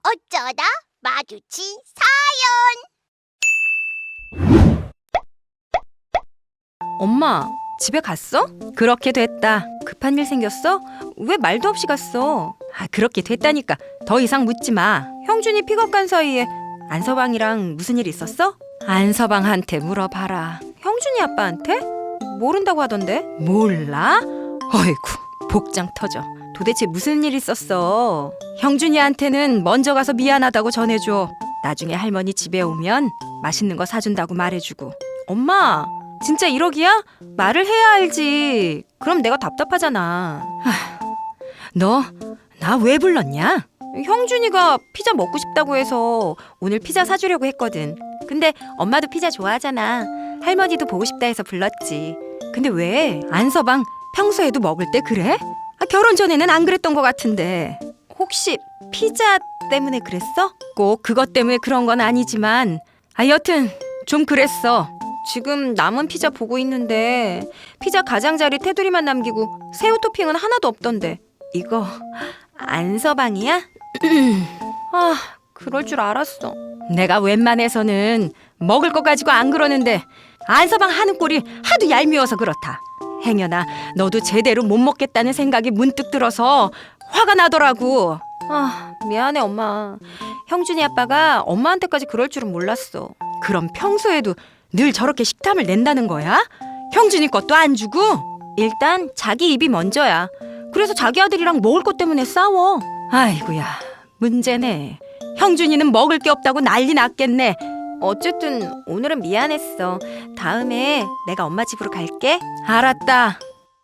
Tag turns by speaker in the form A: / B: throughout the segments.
A: 어쩌다 마주친
B: 엄마, 집에 갔어? 그렇게 됐다. 급한 일 생겼어? 왜 말도 없이 갔어? 그렇게 됐다니까. 더 이상 묻지 마. 형준이 픽업 간 사이에 안서방이랑 무슨 일 있었어? 안서방한테 물어봐라. 형준이 아빠한테? 모른다고 하던데. 몰라? 어이구, 복장 터져. 도대체 무슨 일 있었어? 형준이한테는 먼저 가서 미안하다고 전해줘. 나중에 할머니 집에 오면 맛있는 거 사준다고 말해주고. 엄마, 진짜 1억이야? 말을 해야 알지. 그럼 내가 답답하잖아. 너 나 왜 불렀냐? 형준이가 피자 먹고 싶다고 해서 오늘 피자 사주려고 했거든. 근데 엄마도 피자 좋아하잖아. 할머니도 보고 싶다 해서 불렀지. 근데 왜? 안서방 평소에도 먹을 때 그래? 결혼 전에는 안 그랬던 것 같은데. 혹시 피자 때문에 그랬어? 꼭 그것 때문에 그런 건 아니지만 여튼 좀 그랬어. 지금 남은 피자 보고 있는데 피자 가장자리 테두리만 남기고 새우 토핑은 하나도 없던데. 이거 안서방이야? 그럴 줄 알았어. 내가 웬만해서는 먹을 거 가지고 안 그러는데 안서방 하는 꼴이 하도 얄미워서 그렇다. 행여나 너도 제대로 못 먹겠다는 생각이 문득 들어서 화가 나더라고. 미안해 엄마. 형준이 아빠가 엄마한테까지 그럴 줄은 몰랐어. 그럼 평소에도 늘 저렇게 식탐을 낸다는 거야? 형준이 것도 안 주고? 일단 자기 입이 먼저야. 그래서 자기 아들이랑 먹을 것 때문에 싸워. 아이고야, 문제네. 형준이는 먹을 게 없다고 난리 났겠네. 어쨌든 오늘은 미안했어. 다음에 내가 엄마 집으로 갈게. 알았다.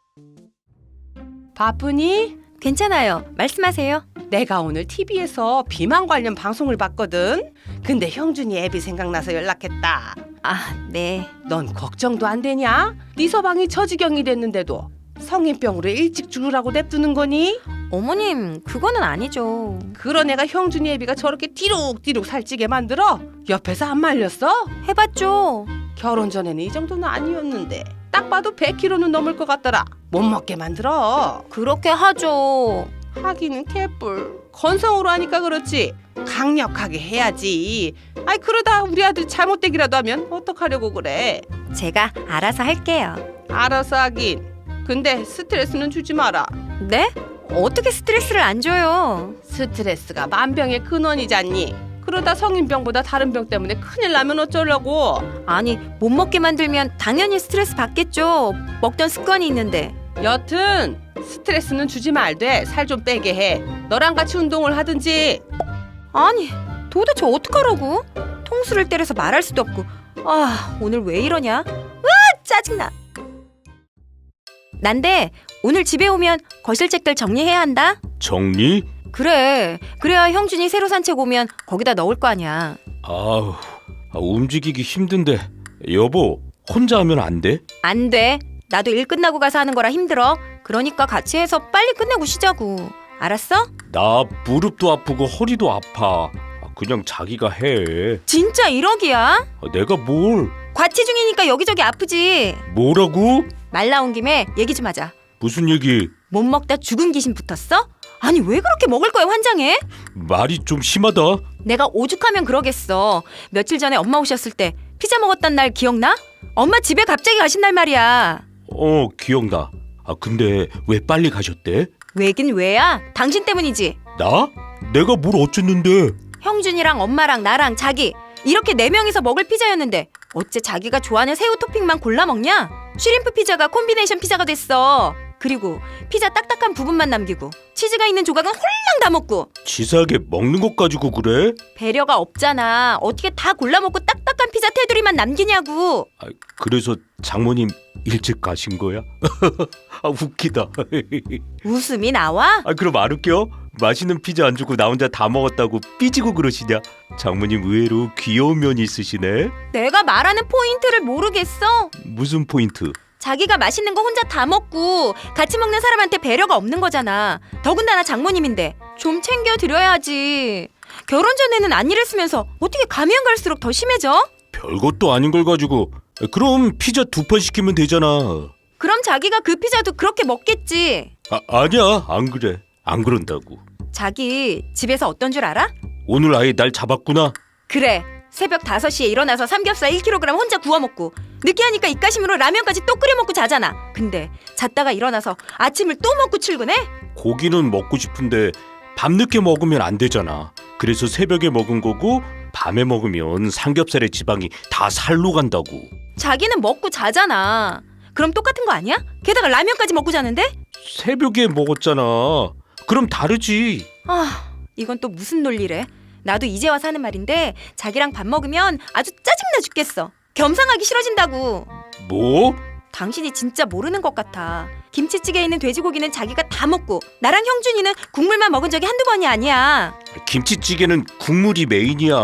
C: 바쁘니?
B: 괜찮아요. 말씀하세요.
C: 내가 오늘 TV에서 비만 관련 방송을 봤거든. 근데 형준이 애비 생각나서 연락했다.
B: 네.
C: 넌 걱정도 안 되냐? 네 서방이 저지경이 됐는데도 성인병으로 일찍 죽으라고 냅두는 거니?
B: 어머님, 그거는 아니죠.
C: 그런 애가 형준이 애비가 저렇게 띠룩띠룩 살찌게 만들어? 옆에서 안 말렸어?
B: 해봤죠.
C: 결혼 전에는 이 정도는 아니었는데 딱 봐도 100kg는 넘을 것 같더라. 못 먹게 만들어.
B: 그렇게 하죠.
C: 하기는 개뿔. 건성으로 하니까 그렇지 강력하게 해야지. 그러다 우리 아들 잘못되기라도 하면 어떡하려고 그래.
B: 제가 알아서 할게요.
C: 알아서 하긴. 근데 스트레스는 주지 마라.
B: 네? 어떻게 스트레스를 안 줘요?
C: 스트레스가 만병의 근원이잖니. 그러다 성인병보다 다른 병 때문에 큰일 나면 어쩌려고.
B: 아니, 못 먹게 만들면 당연히 스트레스 받겠죠. 먹던 습관이 있는데.
C: 여튼 스트레스는 주지 말되 살 좀 빼게 해. 너랑 같이 운동을 하든지.
B: 아니, 도대체 어떡하라고? 통수를 때려서 말할 수도 없고. 오늘 왜 이러냐? 짜증나. 난데 오늘 집에 오면 거실책들 정리해야 한다.
D: 정리?
B: 그래. 그래야 형준이 새로 산책 오면 거기다 넣을 거 아니야.
D: 움직이기 힘든데. 여보, 혼자 하면 안 돼?
B: 안 돼. 나도 일 끝나고 가서 하는 거라 힘들어. 그러니까 같이 해서 빨리 끝내고 쉬자고. 알았어?
D: 나 무릎도 아프고 허리도 아파. 그냥 자기가 해.
B: 진짜 1억이야?
D: 내가 뭘?
B: 과치 중이니까 여기저기 아프지.
D: 뭐라고?
B: 말 나온 김에 얘기 좀 하자.
D: 무슨 얘기?
B: 못 먹다 죽은 귀신 붙었어? 아니 왜 그렇게 먹을 거에 환장해?
D: 말이 좀 심하다.
B: 내가 오죽하면 그러겠어. 며칠 전에 엄마 오셨을 때 피자 먹었던 날 기억나? 엄마 집에 갑자기 가신 날 말이야.
D: 기억나. 근데 왜 빨리 가셨대?
B: 왜긴 왜야? 당신 때문이지.
D: 나? 내가 뭘 어쨌는데?
B: 형준이랑 엄마랑 나랑 자기 이렇게 4명이서 먹을 피자였는데 어째 자기가 좋아하는 새우 토핑만 골라 먹냐? 슈림프 피자가 콤비네이션 피자가 됐어. 그리고 피자 딱딱한 부분만 남기고 치즈가 있는 조각은 홀랑 다 먹고.
D: 치사하게 먹는 것 가지고 그래?
B: 배려가 없잖아. 어떻게 다 골라 먹고 딱딱한 피자 테두리만 남기냐고.
D: 그래서 장모님 일찍 가신 거야? 웃기다.
B: 웃음이 나와?
D: 그럼 안 웃겨? 맛있는 피자 안 주고 나 혼자 다 먹었다고 삐지고 그러시냐? 장모님 의외로 귀여운 면이 있으시네.
B: 내가 말하는 포인트를 모르겠어?
D: 무슨 포인트?
B: 자기가 맛있는 거 혼자 다 먹고 같이 먹는 사람한테 배려가 없는 거잖아. 더군다나 장모님인데 좀 챙겨드려야지. 결혼 전에는 안 이랬으면서 어떻게 가면 갈수록 더 심해져?
D: 별것도 아닌 걸 가지고. 그럼 피자 2판 시키면 되잖아.
B: 그럼 자기가 그 피자도 그렇게 먹겠지.
D: 아니야, 안 그래. 안 그런다고.
B: 자기 집에서 어떤 줄 알아?
D: 오늘 아예 날 잡았구나.
B: 그래, 새벽 5시에 일어나서 삼겹살 1kg 혼자 구워 먹고 느끼하니까 입가심으로 라면까지 또 끓여 먹고 자잖아. 근데 잤다가 일어나서 아침을 또 먹고 출근해?
D: 고기는 먹고 싶은데 밤늦게 먹으면 안 되잖아. 그래서 새벽에 먹은 거고 밤에 먹으면 삼겹살의 지방이 다 살로 간다고.
B: 자기는 먹고 자잖아. 그럼 똑같은 거 아니야? 게다가 라면까지 먹고 자는데?
D: 새벽에 먹었잖아. 그럼 다르지.
B: 아, 이건 또 무슨 논리래? 나도 이제 와서 하는 말인데 자기랑 밥 먹으면 아주 짜증나 죽겠어. 겸상하기 싫어진다고.
D: 뭐?
B: 당신이 진짜 모르는 것 같아. 김치찌개에 있는 돼지고기는 자기가 다 먹고 나랑 형준이는 국물만 먹은 적이 한두 번이 아니야.
D: 김치찌개는 국물이 메인이야.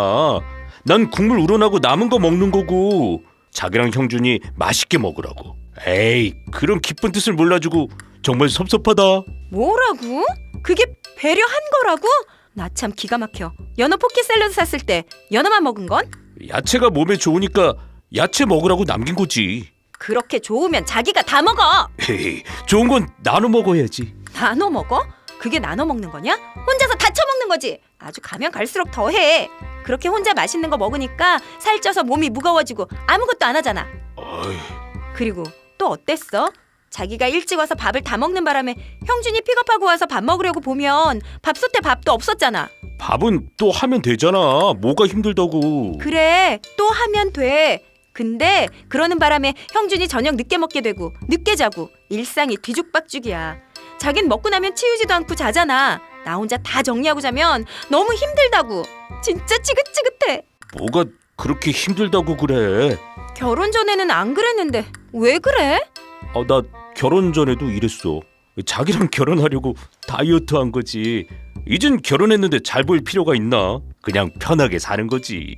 D: 난 국물 우러나고 남은 거 먹는 거고 자기랑 형준이 맛있게 먹으라고. 에이, 그런 기쁜 뜻을 몰라주고 정말 섭섭하다.
B: 뭐라고? 그게 배려한 거라고? 나 참 기가 막혀. 연어 포키 샐러드 샀을 때 연어만 먹은 건?
D: 야채가 몸에 좋으니까 야채 먹으라고 남긴 거지.
B: 그렇게 좋으면 자기가 다 먹어.
D: 에이, 좋은 건 나눠 먹어야지.
B: 나눠 먹어? 그게 나눠 먹는 거냐? 혼자서 다 처먹는 거지. 아주 가면 갈수록 더해. 그렇게 혼자 맛있는 거 먹으니까 살쪄서 몸이 무거워지고 아무것도 안 하잖아.
D: 어이,
B: 그리고 또 어땠어? 자기가 일찍 와서 밥을 다 먹는 바람에 형준이 픽업하고 와서 밥 먹으려고 보면 밥솥에 밥도 없었잖아.
D: 밥은 또 하면 되잖아. 뭐가 힘들다고.
B: 그래, 또 하면 돼. 근데 그러는 바람에 형준이 저녁 늦게 먹게 되고 늦게 자고 일상이 뒤죽박죽이야. 자긴 먹고 나면 치우지도 않고 자잖아. 나 혼자 다 정리하고 자면 너무 힘들다고. 진짜 지긋지긋해.
D: 뭐가 그렇게 힘들다고 그래.
B: 결혼 전에는 안 그랬는데 왜 그래?
D: 나 결혼 전에도 이랬어. 자기랑 결혼하려고 다이어트 한 거지. 이젠 결혼했는데 잘 보일 필요가 있나? 그냥 편하게 사는 거지.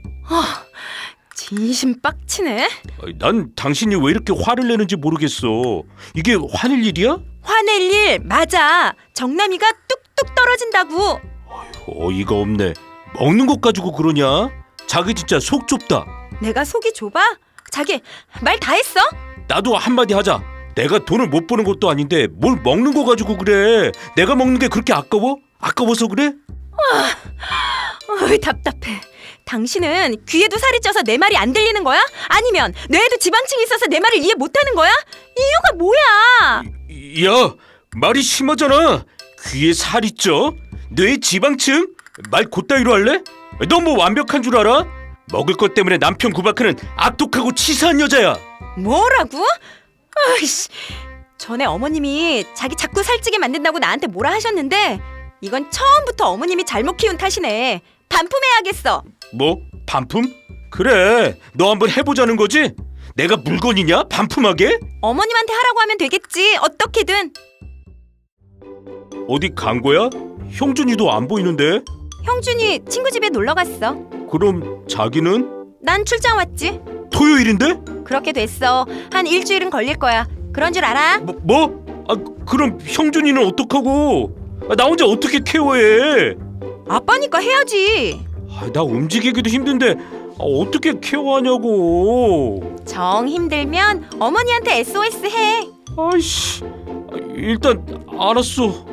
B: 진심 빡치네.
D: 난 당신이 왜 이렇게 화를 내는지 모르겠어. 이게 화낼 일이야?
B: 화낼 일 맞아. 정남이가 뚝뚝 떨어진다고.
D: 어이가 없네. 먹는 것 가지고 그러냐? 자기 진짜 속 좁다.
B: 내가 속이 좁아? 자기 말 다 했어?
D: 나도 한마디 하자. 내가 돈을 못 버는 것도 아닌데 뭘 먹는 거 가지고 그래. 내가 먹는 게 그렇게 아까워? 아까워서 그래?
B: 어이, 답답해. 당신은 귀에도 살이 쪄서 내 말이 안 들리는 거야? 아니면 뇌에도 지방층이 있어서 내 말을 이해 못하는 거야? 이유가 뭐야?
D: 야, 말이 심하잖아. 귀에 살이 쪄? 뇌에 지방층? 말 곧다이로 할래? 너 뭐 완벽한 줄 알아? 먹을 것 때문에 남편 구박하는 악독하고 치사한 여자야.
B: 뭐라고? 아이씨, 전에 어머님이 자기 자꾸 살찌게 만든다고 나한테 뭐라 하셨는데 이건 처음부터 어머님이 잘못 키운 탓이네. 반품해야겠어.
D: 뭐? 반품? 그래, 너 한번 해보자는 거지? 내가 물건이냐? 반품하게?
B: 어머님한테 하라고 하면 되겠지. 어떻게든.
D: 어디 간 거야? 형준이도 안 보이는데?
B: 형준이 친구 집에 놀러 갔어.
D: 그럼 자기는?
B: 난 출장 왔지.
D: 토요일인데?
B: 그렇게 됐어. 한 일주일은 걸릴 거야. 그런 줄 알아?
D: 뭐? 그럼 형준이는 어떡하고? 나 혼자 어떻게 케어해?
B: 아빠니까 해야지.
D: 나 움직이기도 힘든데 어떻게 케어하냐고.
B: 정 힘들면 어머니한테 SOS 해.
D: 아이씨, 일단 알았어.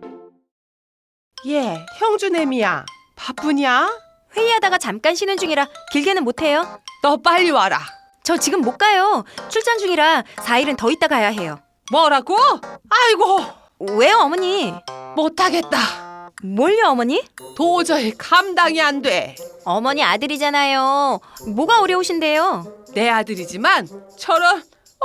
C: 예, 형주애미야. 바쁘냐?
B: 회의하다가 잠깐 쉬는 중이라 길게는 못해요.
C: 너 빨리 와라.
B: 저 지금 못 가요. 출장 중이라 4일은 더 있다 가야 해요.
C: 뭐라고? 아이고,
B: 왜요, 어머니?
C: 못하겠다.
B: 뭘요, 어머니?
C: 도저히 감당이 안 돼.
B: 어머니 아들이잖아요. 뭐가 어려우신데요?
C: 내 아들이지만 저런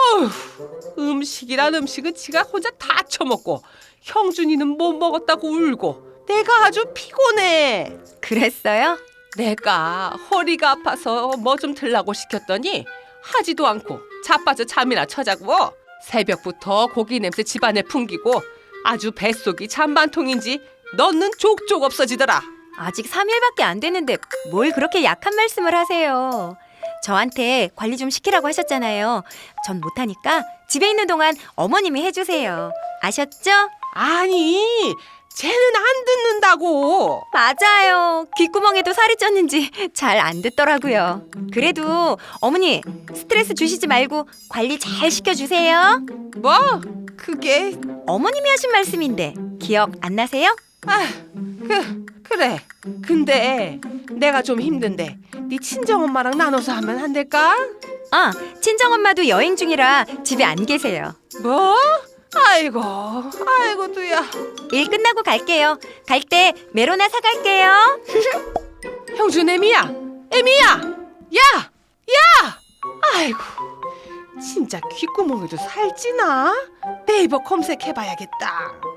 C: 음식이란 음식은 지가 혼자 다 처먹고 형준이는 못 먹었다고 울고 내가 아주 피곤해.
B: 그랬어요?
C: 내가 허리가 아파서 뭐 좀 들라고 시켰더니 하지도 않고 자빠져 잠이나 쳐자고 새벽부터 고기 냄새 집안에 풍기고 아주 뱃속이 잔반통인지 넣는 족족 없어지더라.
B: 아직 3일밖에 안 됐는데 뭘 그렇게 약한 말씀을 하세요. 저한테 관리 좀 시키라고 하셨잖아요. 전 못하니까 집에 있는 동안 어머님이 해주세요. 아셨죠?
C: 아니, 쟤는 안 듣는다고.
B: 맞아요. 귓구멍에도 살이 쪘는지 잘 안 듣더라고요. 그래도 어머니 스트레스 주시지 말고 관리 잘 시켜주세요.
C: 뭐? 그게
B: 어머님이 하신 말씀인데 기억 안 나세요?
C: 그래. 근데 내가 좀 힘든데 네 친정엄마랑 나눠서 하면 안 될까?
B: 아, 친정엄마도 여행 중이라 집에 안 계세요.
C: 뭐? 아이고 두야.
B: 일 끝나고 갈게요. 갈 때 메로나 사갈게요.
C: 형준 애미야. 야! 아이고 진짜 귓구멍에도 살찌나? 네이버 검색해봐야겠다.